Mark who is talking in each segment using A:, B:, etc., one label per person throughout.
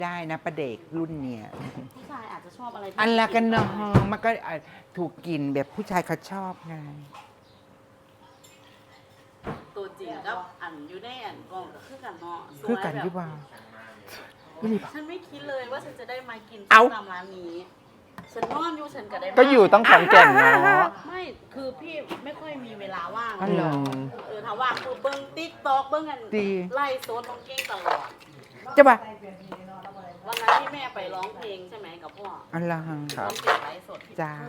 A: ได้นะประเด็กรุ่นเนี่ย
B: ผู้ชายอาจจะชอบอะไร
A: อันละกันเนาะมันก็ถูกกินแบบผู้ชายเขาชอบไง
B: ตัวจริงก็อันอยู่ในอันกล่องก็คือกันเนาะ
A: คือกันที่ว่า
B: ฉันไม่คิดเลยว่าฉันจะได้มากินตามร้านนี้ฉันนอนอยู่ฉันก็ได้
C: ก็อยู่ต้องขอนแก่นเนาะ
B: ไม่คือพี่ไม่ค่อยมีเวลาว่าง
A: อ๋อ
B: ถ้าว่างคือเบิ้งติ๊กต็อกเบิ้งกันไล่โซนน้องเก้งตลอด
A: จะว่า
B: วันนั้นที่แม่ไปร้องเพลงใช่ไหมกับพ่อ
A: อันละ
B: ร้องเพลงไลฟ์สด
A: จ้า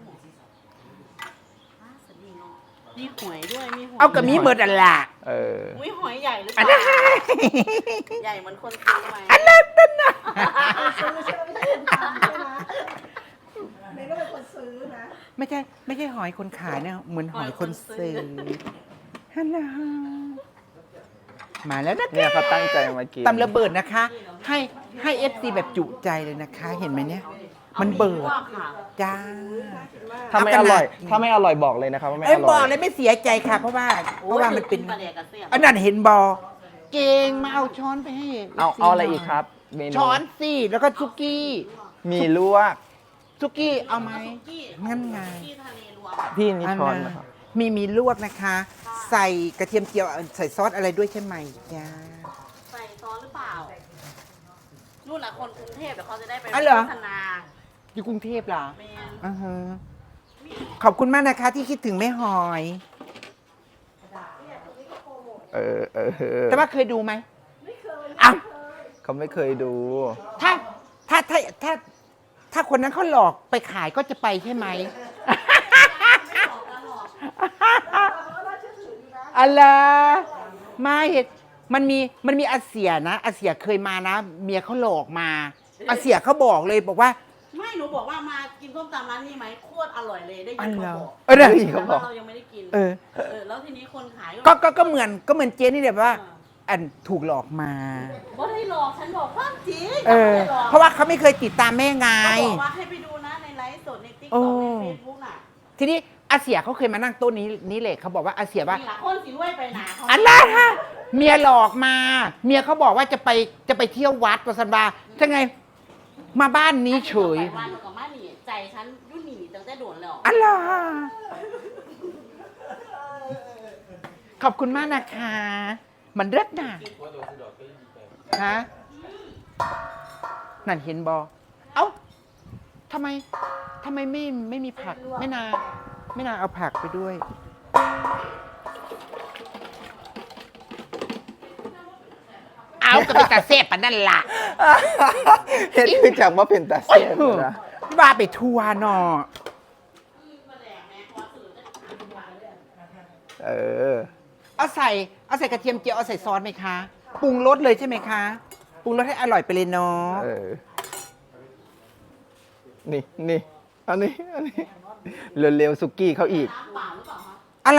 B: มีหอยด้วยมีหอย
A: เอากับมีเบิดอันละ
B: มีหอยใหญ่หรือเปล่าใหญ่เหมือนคนซื้อไหม
A: อันละตั้นนะ
D: ซื้อใช่ไหมไม่ใช่คนทำใช่ไหมเมย์ก็เป็นคนซื้อนะ
A: ไม่ใช่หอยคนขายเนี่ยเหมือนหอยคนซื้อฮัลโหลมาแล้วนะ
C: เนี่ยเขาตั้งใจมากิน
A: ตำระเบิดนะคะให้เอฟซีแบบจุใจเลยนะคะ เห็นไหมเนี่ยมันเบิดจ้า
C: ถ้าไม่อร่อยบอกเลยนะครับว่าไม่อร่อย
A: บอกเลยไม่เสียใจค่ะ เพราะว่ามันเป็นอันนั้นเห็นบอเก่งมาเอาช้อนไปให้
C: เอาอะไรอีกครับเมนู
A: ช้อนสิแล้วก็ซุกี้
C: มีลวก
A: ซุกี้เอาไหมงั้นไง
C: พี่นี่ช้อนนะครับ
A: มีลวกนะคะ ใส่กระเทียมเจียวใส่ซอสอะไรด้วยใช่ไหมจ้า
B: ใส่ซอสหรือเปล่านู่นแหละคนกรุงเทพเดี๋ยวเขาจะได้ไปโฆษณา
A: อยู่กรุงเทพเหรอขอบคุณมากนะคะที่คิดถึงแม่หอยแต่ว่าเคยดูไหมไม่เคย
C: เขาไม่เคยดู
A: ถ้าคนนั้นเขาหลอกไปขายก็จะไปใช่ไหมอะไรไม่มันมีอาเซียนะอาเซียเคยมานะเมียเขาหลอกมาอาเซียเขาบอกเลยบอกว่า
B: ไม่หนูบอกว่ามากินส้มตำร้านนี้ไหมโคตรอร่อยเลยได้ยินเขาบอก
C: เขาบอก
B: เรายังไม่ได้กินแล้วทีนี้คนขาย
A: ก็เหมือนเจนี่แบบว่าอันถูกหลอกมา
B: ไม่ได้หลอกฉันบอกความจริง
A: เพราะว่าเขาไม่เคยติดตามแม่ไง
B: บอกว่าให้ไปดูนะในไลฟ์สดในติ๊กต็อกในเฟซบุ๊กน่ะ
A: ทีนี้อาเซียเขาเคยมานั่งโต๊ะนี้เลยเขาบอกว่าอาเซียว่า
B: คนสิรวยไปหนา
A: อันนั้นฮะเมียหลอกมาเมียเขาบอกว่าจะไปเที่ยววัดประสันบาจะไงมาบ้านนี้เฉย
B: บ้านกับบ้านนี่ใจฉันยุ่นหนีตั้งแต่โดนแล้ว
A: อันล่ะขอบคุณมากนะคะมันเลิศน่ะฮะนั่นเห็นบอเอ้าทำไมไม่มีผักไม่นาเอาผักไปด้วยเอาก็เป็นตาเซฟปะนั่นล่ะ
C: เห็นคือจากว่าเป็นตาเซฟนะ
A: ว่าไปทัวร์เนาะเอาใส่กระเทียมเจียวเอาใส่ซอสไหมคะปรุงรสเลยใช่ไหมคะปรุงรสให้อร่อยไปเลยเนาะ
C: นี่อันนี้เร็วๆสุกี้เขาอีก
A: อะไร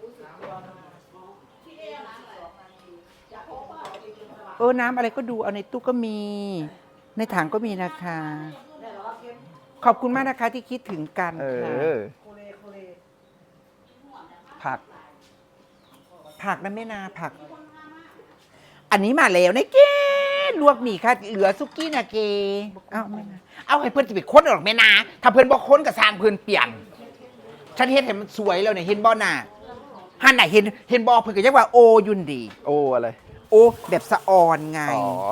A: น้ำอะไรก็ดูเอาในตู้ก็มีในถังก็มีนะคะขอบคุณมากนะคะที่คิดถึงกัน
C: ค่ะ
A: ผักนะแม่นาผักอันนี้มาแล้วนะเกลวกหมี่ค่ะเหลือซุกี้นะเกเอาให้เพื่อนจะไปค้นหรอกแม่นาถ้าเพื่อนบอกค้นกับสร้างเพื่อนเปลี่ยนฉันเห็นมันสวยแล้วเนี่ยเห็นบ่อน่ะฮันไหนเห็นบ่อเพื่อนก็เรียกว่าโอยุนดี
C: โออะไร
A: โอแบบสะออนไง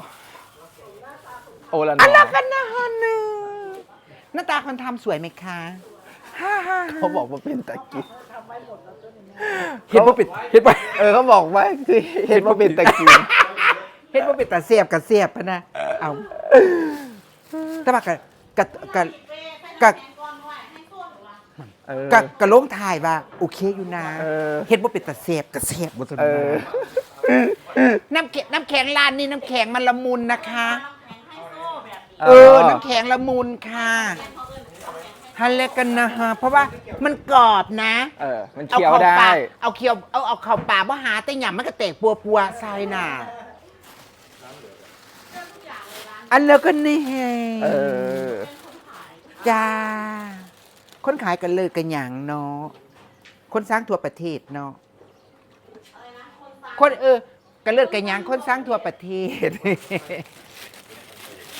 C: โอละ
A: อันละกันนะฮันนึงหน้าตาคนทำสวยไหมคะ
C: เขาบอกว่าเป็นตะกี้
A: เห็นว่าเป็น
C: เขาบอกว่าคือเห็นว่าเป็นตะกี้
A: เห็นว่าเป็นตะเสียบกับเสียบนะเอาแต่ว่ากะลงถ่ายว่าโอเคอยู่นะเห็นว่าเป็นตะเสียบกับเสียบบนถนนน้ำแข็งร้านนี้น้ำแข็งมันละมุนนะคะน้ำแข็งละมุนค่ะฮัลเลกันนะฮะเพราะว่ามันกรอบนะ
C: มันเคี้ยวได้
A: เอาเคี้ยวเอาเข่าป่าบ่หาแต่หยำมันก็แตกปัวใส่น่ะอันแล้วก็นี่ไงจ้าคนขายกันเลยกันอย่างเนาะคนสร้างทั่วประเทศเนาะคนกันเลิศกันอย่างคนสร้างทั่วประเทศ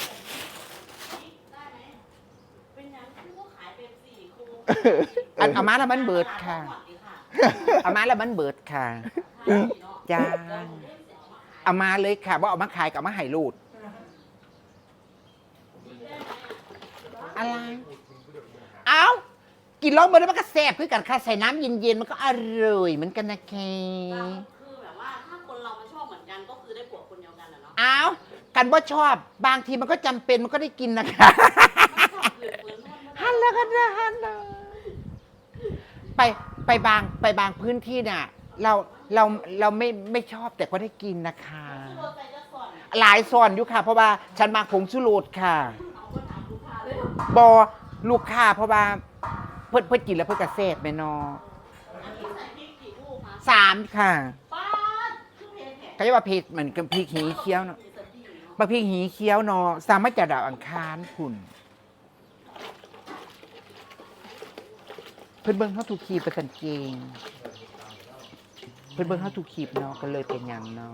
A: เอามาแล้วมันเบิดค่ะเอามาแล้วมันเบิดค่ะจ้าเอามาเลยค่ะว่าเอามาขายกับมาให้ลูดอะไรเอากินร้อนเบิดแล้วมันก็แซ่บคือกันค่ะใส่น้ำเย็นๆมันก็อร่อยเหมือนกันนะแค่
B: คือแบบว่าถ้าคนเรามันชอบเหมือนกันก็คือได้ผัวคนเดียวกันอะเนาะ
A: เอากันว่าชอบบางทีมันก็จำเป็นมันก็ได้กินนะคะฮันแล้วกันนะฮันนะไปบางพื้นที่เนี่ยเราไม่ชอบแต่ก็ได้กินนะคะ หลายส่วนอยู่ค่ะ เพราะว่าฉันมาผงชูรสค่ะบอลูกค้าเพราะว่าเพื่อนกินแล้วเพื่อนกระเซ็ดไหมนอ3ค่ะ
B: ป้าคือเพจแหก
A: ก็จะว่าพริกเหมือนกับพริกหีเคี้ยวเนาะบะพริกหีเคี้ยวเนาะสามารถจะดาวอังคารคุณเพื่อนเบิ้งเขาถูกขีบไปสันเกงเพื่อนเบิ้งเขาถูกขีบเนาะก็เลยเป็นอย่างเนาะ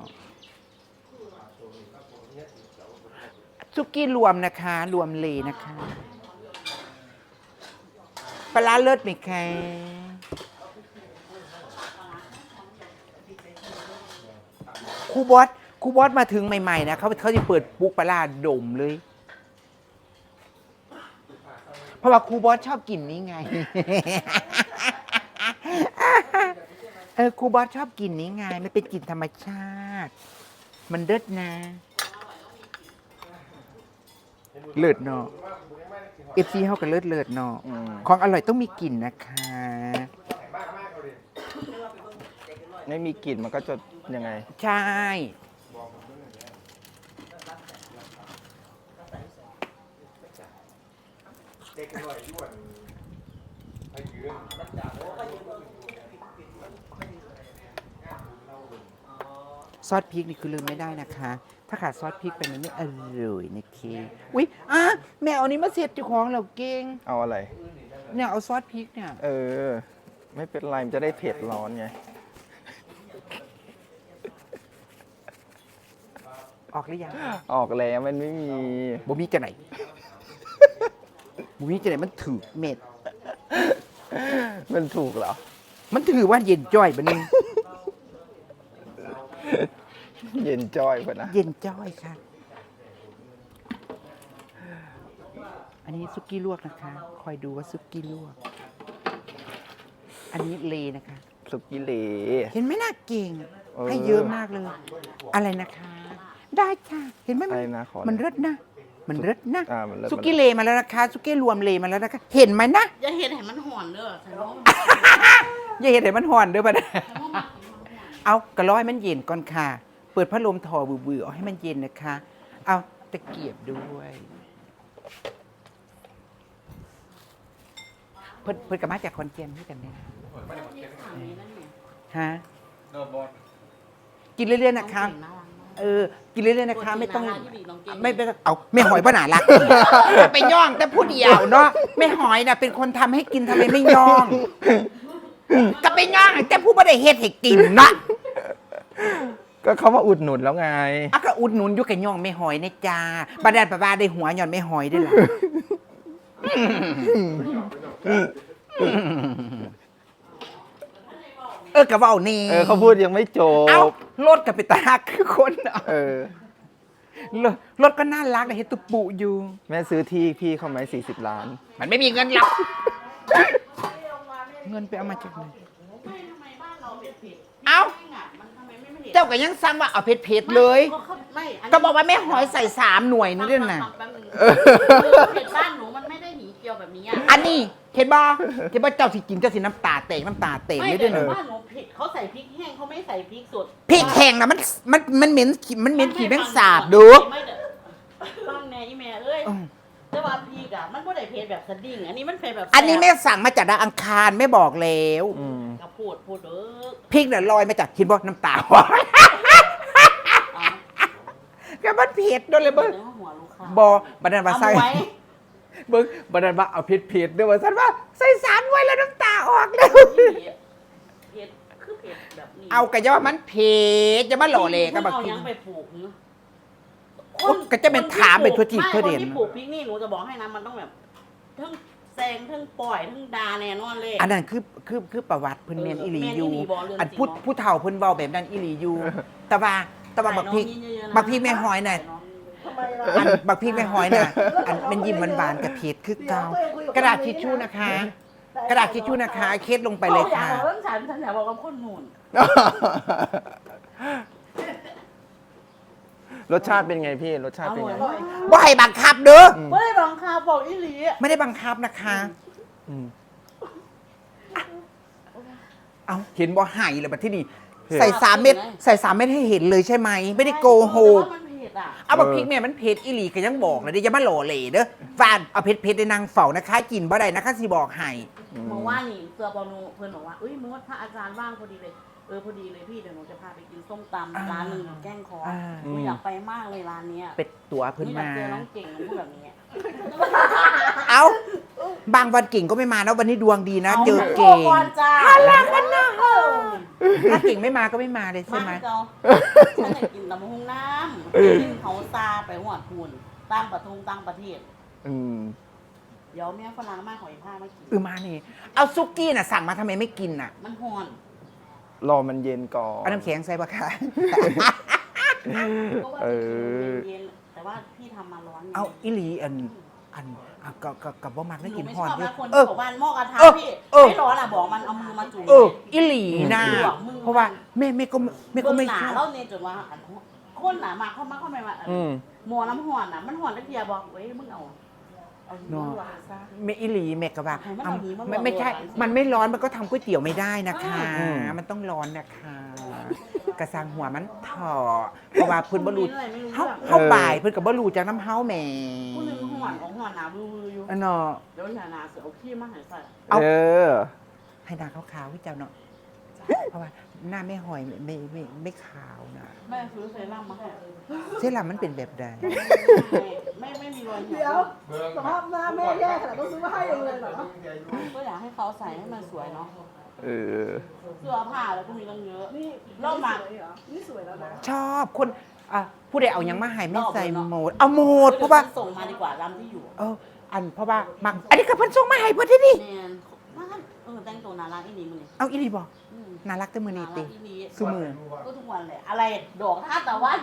A: ซุกี้รวมนะคะรวมเลยนะคะปลาร้าเลิศไหมคะครูบอสมาถึงใหม่ๆนะเขาจะเปิดปุ๊กปลาร้าดมเลย เพราะว่าครูบอสชอบกินนี่ไง ครูบอสชอบกินนี่ไงมันเป็นกลิ่นธรรมชาติ มันเลิศนะเลิศเนาะFCเขาก็เลิศเนาะของอร่อยต้องมีกลิ่นนะคะ
C: ไม่มีกลิ่นมันก็จะยังไง
A: ใช่ซอสพริกนี่คือลืมไม่ได้นะคะ ถ้าขาดซอสพริกไปมันไม่อร่อยนะเคอุ๊ยแม่เอานี้มาเสียบเจ้าของเราเก่ง
C: เอาอะไร
A: เนี่ยเอาซอสพริกเนี่ย
C: ไม่เป็นไรมันจะได้เผ็ดร้อนไง
A: ออกหรือยัง
C: ออกแล้วมันไม่มี
A: บ่มีจะไหน บ่มีจะไหนมันถือเม็ด
C: มันถูกเหรอ
A: มันถือว่าเย็นจ้อยบะนึง
C: เย็นจ้อยกว่านะ
A: เย็นจ้อยค่ะ อันนี้ซุกี้ลวกนะคะ คอยดูว่าซุกี้ลวก อันนี้เลนะคะ
C: สุกี้เหล
A: เห็นไหมน่าเก่ง
C: เออ
A: ให้เยอะมากเลย อะไรนะคะ ได้ค่ะ เห็นไหม
C: อะไรนะขอ
A: มันเลิศนะ มันเลิศนะ
C: มันเลิศ
A: ซุกี้เลมาแล้วนะคะซุกี้รวมเลมาแล้วนะคะ เห็นไหมนะ
B: อย่าเห็นเห็นมันห่อนเด้อฉันว่า
A: อย่าเห็นเห็นมันห่อนเด้วยปะนะ
B: ฉันว่ามัน
A: เอากระร้อยมันเย็นก่อนค่ะ เปิดพัดลมถอบือๆเอาให้มันเย็นนะคะ เอาตะเกียบด้วย เพิ่นกับมาจากคอนเจนที่กันเนี่ยฮะกินเรื่อยๆนะคะ กินเรื่อยๆนะคะ ไม่ต้องไม่เอาไม่หอยป้าหนาละจะไปย่องแต่ผู้เดียวเนาะไม่หอยน่ะเป็นคนทำให้กินทำไมไม่ย่องก็ไปย่องแต่ผู้ไม่ได้เฮ็ดให้กินนะ
C: ก็เขามาอุดหนุนแล้วไง
A: ก็อุดหนุนอยู่กับย่องไม่หอยนะจ้าบาดาลปะบาได้หัวย่อนไม่หอยได้หรอกับว่านี่
C: เขาพูดยังไม่จบ
A: เอ้ารถกับไปตาหักคือคนเนาะ รถก็น่ารักแต่เห็นตุปุอยู่
C: แม่ซื้อที่พี่เขาไหม40 ล้าน
A: มันไม่มีเงินหรอกเงินไปเอามาจากไหน
B: ไม่ทำไมบ้านเราเผ็ด
A: เอ้า
B: มันทำไมไม่เผ็ด
A: เจ้าก็ยังซ้ำว่าเอาเผ็ดๆเลย
B: ไม่นนี้
A: ก็บอกว่าแม่หอยใส่3 หน่วยนี่ด้วยนะ
B: แป๊บนึงเผ็ดบ้านหนูมันไม่ได้หนีเกียวแบบนี้อ่ะ
A: อันนี้เห็นบ่เจ้าสิกินเจ้าสิน้ำตาเตกไม่
B: ไม่
A: ด้วย
B: แต่
A: นะ
B: บ้านหนูเผ็ดเขาใส่พริกแห้งเขาไม่ใส่พริกสด
A: พริกแห้งนะมันเหม็นขี้แมงสาบดู
B: ไม่เด้อฟังแน่อีแม่เอ้ยแต่ว่าพริกอ่ะมันไม่ได้เผ็ดแบบสดิ้งอันนี้มันเผ็ดแบบ
A: อันนี้แม่สั่งมาจากดาวอังคารไม่บอกแล้ว
B: ก็พูดเด้อ
A: พริกเนี่ยลอยมาจากเห็นบ่น้ำตาหวานก็มันเผ็ดด้วยเลยเบิ้ง
B: เนื้อหัวลูกค้า
A: บบันดาลมา
B: เอา
A: ใส่
B: ไว้
A: เบิ้งบันดาลมาเอาเผ็ดด้วยว่าสันว่าใส่3 ไว้แล้วน้ำตาออกแล้ว
B: เผ็ดคือเผ็ดแบบนี้
A: เอากระยามันเผ็ดจะมาหล่อเลยก็บัก
B: เอา
A: ที
B: ยังไปปลูกเนอะ
A: ก็จะเป็นถามไปทั่วจีบทั่วเด่น
B: ไม่คนที่ปลูกพริกนี่หนูจะบอกให้นะมันต้องแบบทั้งแซงทั้งปล่อยทั้งดาแน่นอนเลย
A: อันนั้นคือประวัติเพิ่นแม่นอีหลีอยู่
B: แม่นอีหลีบ่เรื่อง
A: อัน
B: จริง
A: ผู้เฒ่าเพิ่นเว้าแบบนั้นอีหลีอยู่แต่ว่าบักพริก
B: ใส่น้องเยอะๆนะ
A: บักพริกแม่หอยน่ะ
D: ทำไมล่ะ
A: อันบักพริกแม่หอยน่ะอันเป็นยิ้มหวานๆกับเผ็ดคือเก่ากระดาษทิชชู่นะคะ กระดาษทิชชู่นะคะเคสลงไปเลยค่ะ
B: อยากบอกเรื่องฉันอยากบอกกับคนหนุน
C: รสชาติเป็นไงพี่ รสชาติเป็นไง
B: อร่อย
A: บ่ให้บังคับเด้อ
B: ไม่ได้บังคับบอกอีหลี
A: ไม่ได้บังคับนะคะ
C: อืม
A: เอาเห็นบ่ให้เลยบัดที่นี่
C: เผ็ด
A: ใส่3 เม็ดใส่3 เม็ดให้เห็นเลยใช่ไหมไม่ได้โกหก
B: แต่ว่ามันเผ็ดอ่ะ
A: เอาบักพริกแม่มันเผ็ดอีหลีก็ยังบอกเลยเดี๋ยวอย่ามาหล่อเหล่เด้อฟานเอาเผ็ดได้นางเฝ้านะคะ กินบ่ได้นะคะสิบอกให้
B: เมื่อว่านี่เสือบอนูเพื่อนบอกว่าเอ้ยมึงว่าถ้าอาจารย์ว่างพอดีเลยพอดีเลยพี่เดี๋ยวหนูจะพาไปกินส้มตำร้านหนึ่งอยู่แกล้งคอหนูอยากไปมากเลยร้านเนี้ย
A: เป็ดตัว
B: หนู
A: เพิ่น
B: อยาก
A: มา
B: เจอน้องเก่งหนูพูดแบบนี้
A: เอาบางวันเก่งก็ไม่มานะวันนี้ดวงดีนะ เจอ
B: โก
A: เก่ง
B: ก่อนจ้า
A: ถ้าเก่งไม่มาก็ไม่มาเลยใช่ไหม
B: มาเจ้าฉันอยากกินตำบักหุ่งน้ำกินเขาซาไปหัวทุนตั้งประเทศ
C: อืม
B: เดี๋ยวเมียฝรั่งมาขออีกผ้ามากิน
A: มานี่เอาซุกี้น่ะสั่งมาทำไมไม่กินน่ะ
B: มันห่อน
C: รอมันเย็นก่อน
A: เอาน้ำแข็งใส่ปะคะ
B: ก็ว่า
C: เอ
B: จะ
C: อ
B: กินเย็นๆแต่ว่าพี่ทำมาร้อนไง
A: เอาอิลีอันกับบ่มักได้กิน
B: ไม่
A: ฮอน
B: ชอบ
A: เด้อ
B: นะคน
A: เออ
B: บอกว่าหม้อกระทะ
A: เออ
B: พี่
A: เออ
B: ไม่ร้อนอ่ะบอกมันเอามือมาจุ่ม
A: อิลีน่ะ
B: ลวกมือ
A: เพราะว่าแม่ก็
B: เบื้อง
A: ไม่
B: หนา
A: ชอบ
B: เล่าเนี่ยจนว่าอันคนหนามาเข้ามาเข้ามา
C: อืม
B: หมอน้ำห่อนอ่ะมันห่อนตะเกียบบอกเว้ยมึงเอาหิมะลวกซะ
A: แม่อิลีแม่ก็ว่า
B: ให้มันเอาหิมะ
A: ไม่ใช่
B: ลวก
A: มันไม่ร้อนมันก็ทำก๋วยเตี๋ยวไม่ได้นะคะ
C: อืม
A: มันต้องร้อนนะคะกระซังหัวมันถอเพราะว่าเพิ่นบ่รู้
B: ไม่รู้
A: เฮา
B: เรื่อง
A: เฮาบ่ายเพิ่นก็บ่รู้จากน้ำเฮาแหม่
B: ผู้หนึงห่อนของห่อนหนาบลูอยู่
A: อันเนาะ
B: เดี๋ยวอย่าหนาเสือเอาขี้มาใหายใส่
A: เอา
C: เออ
A: ให้หน้าขาวๆพี่เจ้าเนาะเพราะว่าหน้าไม่หอยไม่ขาวนะ
B: แม่ซื้อเซรั่มมาให้
A: เซรั่มมันเป็นแบบใด
B: ไม่มีรอยเหี่
D: เดี๋
B: ย
D: ยว วสภาพหน้าแม่แย่ขนาดต้องซื้อมาให้เองเลยเหรอ
B: ก็อยากให้เขาใส่ให้มันสวยเนาะ
C: เออ
B: เสื้อผ้าแล้วก็มีตั้งเยอะ
D: นี่
B: รอบมา
D: สวยเหรอนี่สวยแล้วนะ
A: ชอบคนผู้ใดเอาหยังมาให้ไม่ใส่โหมดเอาโหมดเพราะว่า
B: ส่งมาดีกว่าลำที่อยู่
A: เพราะว่ามักอันนี้ก็เพิ่นส่งมาให้เพิ่นที่นี่
B: แมนนั่นแต่งตัวน่ารักอีนี่มึงนี่
A: เอาอีหลีบอก
B: อืม
A: น่ารักแต่มือ
B: น่า
A: นี้
B: รั
A: ติ
B: กอีนี่
A: ซุมือ
B: ก็ทุกวันเลยอะไรดอกท่าแต่ว่า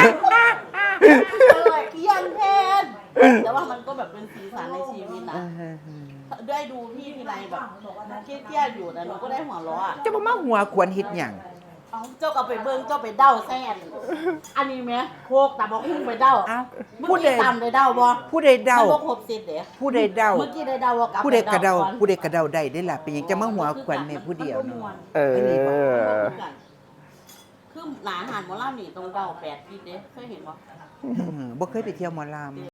B: อะไรเกี้ยนแทนแต่ว่ามันก็แบบเป็นสีสันในชีวิตนะได้ดูพี่ทีไรแบบเครียดๆอยู่แต่หนูก็ได้หัวเราะอะ
A: จะบ่มาหัวควรเฮ็ดหยัง
B: เอาเจ้าก็ไปเบิ้งเจ้าไปเด้าแซนอันนี้ไหมโคกแต่บอกหุ้งไปเด้า
A: เอ้า
B: เมื่
A: ผู้
B: อ
A: ใด
B: กี้ตำได้เด้าบ่
A: ผู้ใดเดา
B: มันบ่ครบเสร็จเด้
A: ผู้ใดเดา
B: เมื่อกี้ได้เด้าว่ากลับ
A: ผู้ใดกระเดา
B: ไป
A: ผู้ใดกระเดาได้ได้ล่ะเป็นหยังจะมาหัวควรแม่ผู้เดียวเนาะ
C: เออ
B: คือหนาอาหารหมอลำนี่ตรงเดา8 ทิศเด้เคยเห็นบ่
A: บ่เคยไปเที่ยวหมอลำ